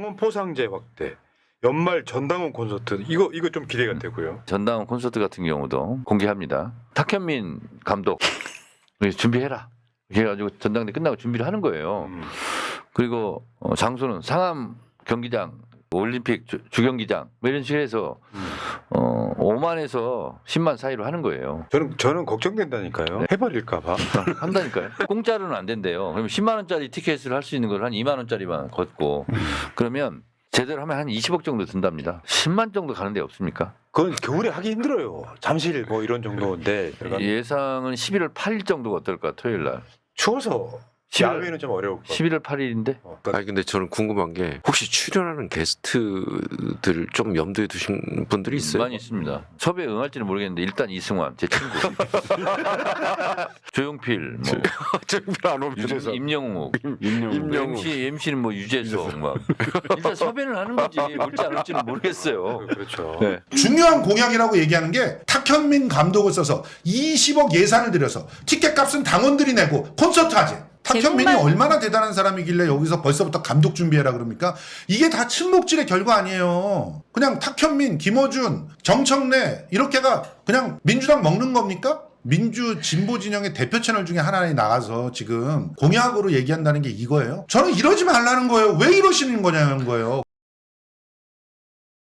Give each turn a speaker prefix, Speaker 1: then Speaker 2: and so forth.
Speaker 1: 전당원 포상제 확대, 연말 전당원 콘서트 이거 좀 기대가 되고요.
Speaker 2: 전당원 콘서트 같은 경우도 공개합니다. 탁현민 감독 준비해라. 그래가지고 전당대 끝나고 준비를 하는 거예요. 그리고 장소는 상암 경기장, 올림픽 주경기장 뭐 이런 식으로 해서 5만에서 10만 사이로 하는 거예요.
Speaker 1: 저는 걱정된다니까요. 해버릴까봐.
Speaker 2: 한다니까요. 공짜로는 안 된대요. 그러면 10만 원짜리 티켓을 할 수 있는 걸 한 2만 원짜리만 걷고 그러면 제대로 하면 한 20억 정도 든답니다. 10만 정도 가는 데 없습니까?
Speaker 1: 그건 겨울에 하기 힘들어요. 잠실 뭐 이런 정도인데
Speaker 2: 예상은 11월 8일 정도가 어떨까 토요일 날.
Speaker 1: 추워서
Speaker 2: 11월
Speaker 1: 야외는 좀 어려울 것 같아요.
Speaker 2: 11월 8일인데
Speaker 3: 아니 근데 저는 궁금한 게 혹시 출연하는 게스트들 좀 염두에 두신 분들이 있어요?
Speaker 2: 많이 있습니다. 섭외 응할지는 모르겠는데 일단 이승환 제 친구, 조용필, 뭐
Speaker 3: 안 오면
Speaker 2: 임영웅,
Speaker 3: 임영웅.
Speaker 2: MC는 뭐 유재석 막 일단 섭외는 하는 거지 올지 안 올지는 모르겠어요.
Speaker 1: 그렇죠.
Speaker 2: 네.
Speaker 4: 중요한 공약이라고 얘기하는 게 탁현민 감독을 써서 20억 예산을 들여서 티켓값은 당원들이 내고 콘서트 하지. 탁현민이
Speaker 5: 제목만-
Speaker 4: 얼마나 대단한 사람이길래 여기서 벌써부터 감독 준비해라 그럽니까? 이게 다 친목질의 결과 아니에요. 그냥 탁현민, 김어준, 정청래 이렇게가 그냥 민주당 먹는 겁니까? 민주 진보 진영의 대표 채널 중에 하나에 나가서 지금 공약으로 얘기한다는 게 이거예요. 저는 이러지 말라는 거예요. 왜 이러시는 거냐는 거예요.